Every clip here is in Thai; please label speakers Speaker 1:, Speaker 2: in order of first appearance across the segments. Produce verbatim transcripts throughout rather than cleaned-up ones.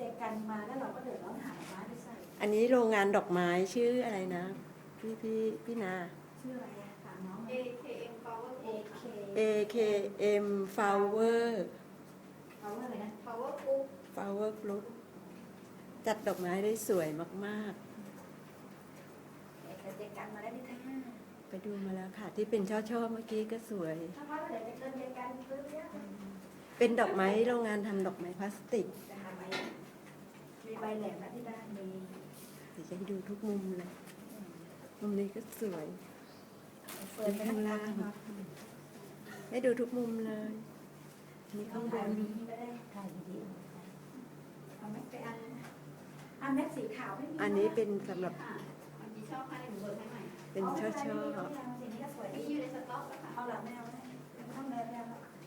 Speaker 1: จกันมาแล้วเราก็เดือดร้อนหาไม้ไปใส่
Speaker 2: อันนี้โรงงานดอกไม้ชื่ออะไรนะพี่พี่พี่นา
Speaker 1: ชื่ออะไรอะถามน้อง
Speaker 3: เอ เค เอ็ม Power
Speaker 1: เอ
Speaker 3: Group
Speaker 1: เค
Speaker 2: เอ เค เอ็ม Flower
Speaker 1: เขาว่าอะไรนะ
Speaker 3: Power Group
Speaker 2: Flower Group จัดดอกไม้ได้สวยมาก
Speaker 1: เอกเจกันมาแล้วนี่ท่า
Speaker 2: ๆ ไปดูมาแล้วค่ะ ที่เป็นช่อๆเมื่อกี้ก็สวย
Speaker 1: ถ้าพ่อเดี๋ยวจะเกินเจกันซื้อเนี้ย
Speaker 2: เป็นดอกไม้โรงงานทำดอกไม้พลาสติก
Speaker 1: จะหาใบมีใบแหลมนะที่บ้านมี
Speaker 2: เดี๋ยวจะให้ดูทุกมุมเลย มุมนี้ก็สวย
Speaker 1: เฟิร์นไปข้างล่าง
Speaker 2: ให้ดูทุกมุมเลยนี่
Speaker 1: ต้อ
Speaker 2: ข้าง งบ
Speaker 1: ถ่าย
Speaker 2: น
Speaker 1: นี้ไม่ได้ถ่ายวิดีโอเอาแม็กไปอันอันแม็กสีขาวไม่มี
Speaker 2: อันนี้เป็นสำหรับ
Speaker 3: ค่ะมันมีชอบให้หนูเบิร์ให้ใหม่
Speaker 2: เป็นช่อ
Speaker 1: สีนี้ก็สวย
Speaker 3: มี
Speaker 1: ดี
Speaker 3: อยู่ในสต็อกอะค่ะ
Speaker 1: เอาหลังแมวนะไม่ต้องแมวแมว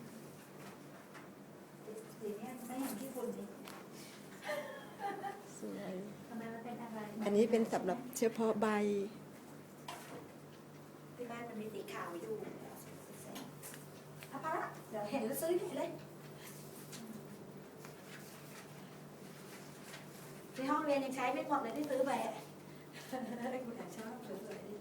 Speaker 1: สีนี้ไม่เห็นที่คุณดิ
Speaker 2: ๆสวย
Speaker 1: ทำไมมันเป็นอะไร
Speaker 2: อันนี้เป็นสำหรับเฉพาะใบ
Speaker 1: ที่บ้านมันมีสีขาวอยู่เอาไปละเดี๋ยวเห็นแล้วซื้อที่เลยที่ห้องเรียนยังใช้ไม่หมดเลยที่ซื้อไปคุณอยากชอบสวยๆดิ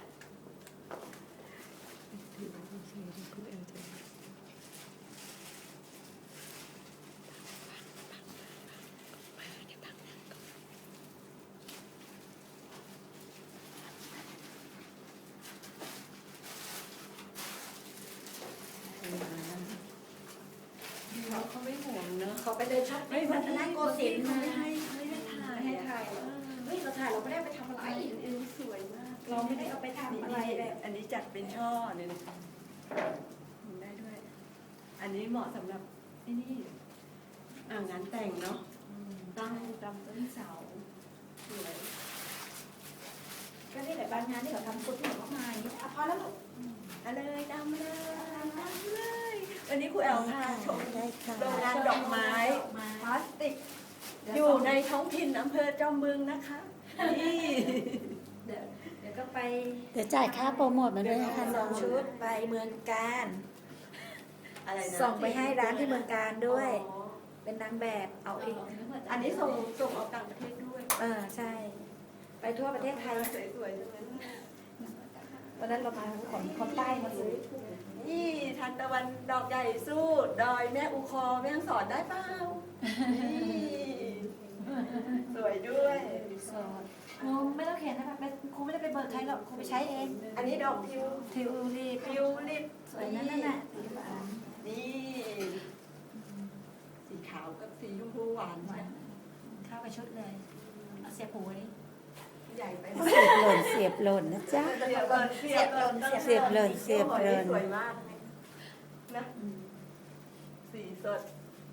Speaker 2: เขาเขาไม่ห่วงเนอะ
Speaker 1: เขาไปเดินช็อปปิ้งพัฒนาโกสินทร์
Speaker 2: เขา
Speaker 1: มา
Speaker 2: ไม่ให้ไม่ให้ถ่าย
Speaker 1: ไม่ให้ถ่ายหรอเฮ้ยเราถ่ายเราไม่ได้ไปทำอะไร
Speaker 2: อันนี้สวยมาก
Speaker 1: เราไม่ได้เอาไปทำอะไรแบบ
Speaker 2: อันนี้จัดเป็นช่อเนี่ยนะคะทำได้ด้วย อันนี้เหมาะสำหรับที่นี่อ่างานแต่งเนาะตั้งตามต้นเสาสวย
Speaker 1: ก็นี่แหละบางงานที่เขาทำฟุตที่เขามาอย่างนี้อ่ะพอแล้วลูก
Speaker 2: เอาเลยดำเลยดำเลยวันนี้ครูแอลพาชม
Speaker 4: ได้ค่ะ
Speaker 2: โรงงานดอกไม้พลาสติก อยู่ในท้องถิ่นอำเภอจอมบึงนะคะ นี่
Speaker 1: เดี๋ยวเดี๋ยวก็ไป
Speaker 4: เดี๋ยวจ่ายค่าโปรโมทมาด้วยนะคะ
Speaker 1: ส
Speaker 4: น้
Speaker 1: อ
Speaker 4: อง ง
Speaker 1: ชุดไปเมืองการ
Speaker 2: อะไรนะ
Speaker 1: ส่งไปให้ร้านที่เมืองการด้วย
Speaker 2: อ๋อ
Speaker 1: เป็นนางแบบเอาเอง
Speaker 2: อันนี้ส่งส่งออกต่างประเทศด้วย
Speaker 1: เออใช่ ไปทั่วประเทศไทย
Speaker 2: สวยๆทั้งนั้น
Speaker 1: วันนั้นเรามาของคนใต้มาซื้อ
Speaker 2: นี่ทันตะวันดอกใหญ่สู้ ดอยแม่อุคอแม่ฮ่องสอนได้เปล่านี่สวยด้วย
Speaker 1: สอนครูไม่ต้องเขียนนะคะครูไม่ได้ไปเบิกใครหรอกครูไปใช้เอง
Speaker 2: อันนี้ดอกทิว
Speaker 1: ทิวรีบ
Speaker 2: ทิวลิป
Speaker 1: สวยนั่นน่ะ
Speaker 2: นี่ สีขาวกับสีชมพูหวานใช่ไหม
Speaker 1: เข้ากับชุดเลยเอาเสียบหูนี่
Speaker 2: ใหญ่ไป
Speaker 4: เสียบหล่นเสียบหล่นนะจ๊ะ
Speaker 2: เสียบเลยเสียบเลย
Speaker 4: เสียบเลยเสียบเลย
Speaker 2: สวยมากนะสีสด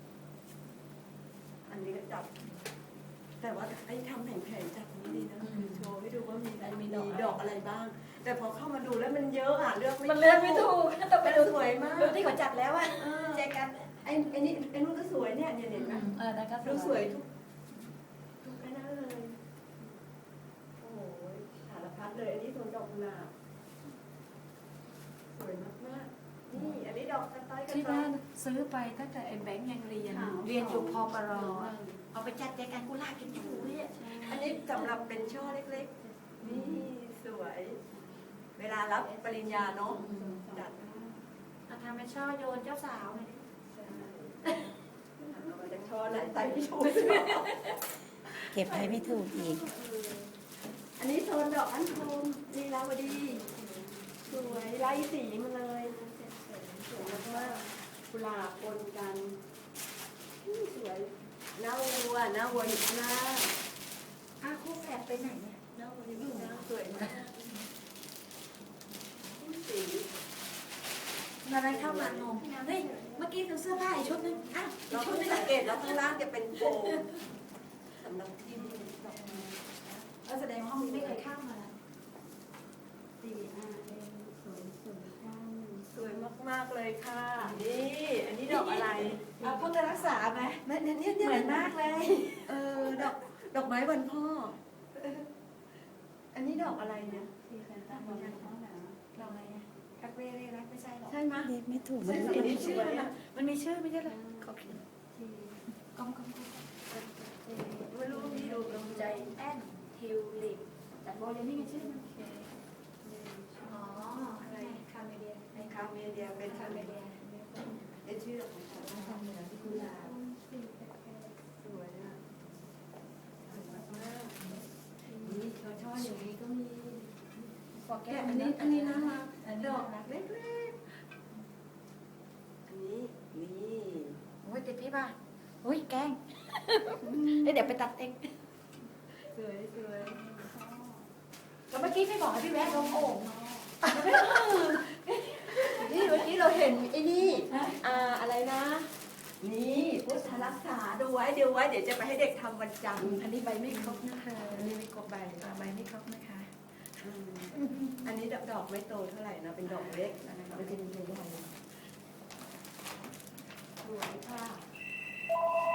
Speaker 2: อันนี้ก็จับ แต่ว่าไอ้ทำแผงๆจับนี้ดีนะคือโชว์ให้ดูว่ามีอะไรมีดอกอะไรบ้าง แต่พอเข้ามาดูแล้วมันเยอะอ่ะเลือกไม่
Speaker 1: มันเลือกไม่ถูกต้องไป
Speaker 2: มัน
Speaker 1: ดู
Speaker 2: สวยมาก
Speaker 1: ดูที่เขาจัดแล้วอะ
Speaker 2: เออ
Speaker 1: เจอกัน
Speaker 2: ไอ้ไอ้นี่ไอ้นู่นก็สวยเนี่ยเนี่ยเห็นไหม
Speaker 1: เออแล้วก็
Speaker 2: ดูสวยทุกทุกไอ้นั่นเลย โอ้โหสารพัดเลย อันนี้สวนดอกกุหลาบสวยมากๆนี่ อันนี้ดอกกระต้อยกระ
Speaker 1: ที่
Speaker 2: ต้อ
Speaker 1: บ้าย นซื้อไปตั้งแต่ไอ้แบงค์ยังเรียน เรียนอยู่พอปรอะเอาไปจัดแจกันกุหลาบกินอยู่เนี่ย
Speaker 2: อันนี้สำหรับเป็นช่อเล็กๆ นี่สวย เวลารับปริญญาเนาะจัด
Speaker 1: เอาทำเป็นช่อโยนเจ้าสาวเลย
Speaker 2: เอามาจากช่อไหนใส่ไม่ถูก
Speaker 4: เก็บให้ไม่ถูกอีก
Speaker 2: อันนี้โซนดอกอัญชันลีลาวดี สวยไล่สีมาเลยสวยมากๆกุหลาบปนกันอื้อสวยหน้าวัวหน้าวัวอยู่ข้างหน้า
Speaker 1: อ้าวคู่แฝดไปไหนเนี่ย
Speaker 2: หน้าวัวอยู่ข้างหน้าสวยมากสี
Speaker 1: อะไรเข้ามางงเฮ้ยเมื่อกี้ดูเสื้อผ้าอีกชุดนึงอ้าวอี
Speaker 2: เรา
Speaker 1: กชุ
Speaker 2: เพิ่
Speaker 1: ด
Speaker 2: ง
Speaker 1: นึง
Speaker 2: สังเกตแล้วข้างล่างจะเป็นโฟมสำหรับที่ดอกไม้
Speaker 1: แล้วแสดงว่าห้องนี้ไม่เคยเข้ามา
Speaker 2: สีอ่ะเองสวยสวยจังสวยมากๆเลยค่ะ นี่ อันนี้ดอกอะไร
Speaker 1: เอาเพิ่งจะรักษาไหม
Speaker 2: แม่เนี่ยเนี่ยเนี่ย
Speaker 1: เหมือนมากเลย
Speaker 2: เออดอกดอกไม้วันพ่อเอออันนี้ดอกอะไรเนี่ย
Speaker 1: เราไงอะกักเร่เร่รักไม่ใช่หรอก
Speaker 2: ใช่ไหม
Speaker 4: เรียกไม่ถูก
Speaker 2: ใช่
Speaker 4: มัน
Speaker 2: ไหม
Speaker 4: เป็น
Speaker 2: นี่ชื่ออะไรนะ
Speaker 1: มันมีชื่อไม่ใช่เหรอเขาเขียนกองกองกอง
Speaker 2: ไม่รู้พี่ดูลงใจ
Speaker 1: แอนทิวลิปแต่โบเลยนี่ไงชื่อมัน
Speaker 3: อ๋ออะไรคาเมเดีย
Speaker 2: ในคาเมเดียเป็น
Speaker 3: คา
Speaker 2: คา
Speaker 3: เม
Speaker 2: เม
Speaker 3: เดี
Speaker 2: เดี
Speaker 3: ย
Speaker 2: ยเป็นชื่อของเขาทำเหนือที่กุหลาบสวยนะสวยมากๆนี่ช่อช่ออย่างนี้ก็มี
Speaker 1: ฟอร์แก
Speaker 2: แกะ
Speaker 1: น
Speaker 2: อั
Speaker 1: อั
Speaker 2: น
Speaker 1: น
Speaker 2: นี้
Speaker 1: นี้
Speaker 2: อั
Speaker 1: อั
Speaker 2: น
Speaker 1: น
Speaker 2: นี้
Speaker 1: นี้
Speaker 2: น่า
Speaker 1: นะ
Speaker 2: รักดอกเล็กๆอันนี้นี่
Speaker 1: โอ้ยติดพี่ป่ะอุ้ยแกล้งเดี๋ยวไปตัดเอง
Speaker 2: สวยสวย
Speaker 1: ก็เมื่อกี้พี่บอกให้พี่แวะลงโอ่ง
Speaker 2: นี่เมื่อกี้เราเห็นไอ้นี่อ่าอะไรนะ นี่พุทธรักษาดูไว้เดี๋ยวไว้เดี๋ยวจะไปให้เด็กทำวันจันทร์
Speaker 1: อันนี้ใบไม่ครบนะคะอันนี้ไม่ครบใบอ่าใบไม่ครบนะคะ
Speaker 2: อืมอันนี้ดอกไม่โตเท่าไหร่นะเป็นดอกเล็กมันจะมีใหญ่ๆสวยค่ะ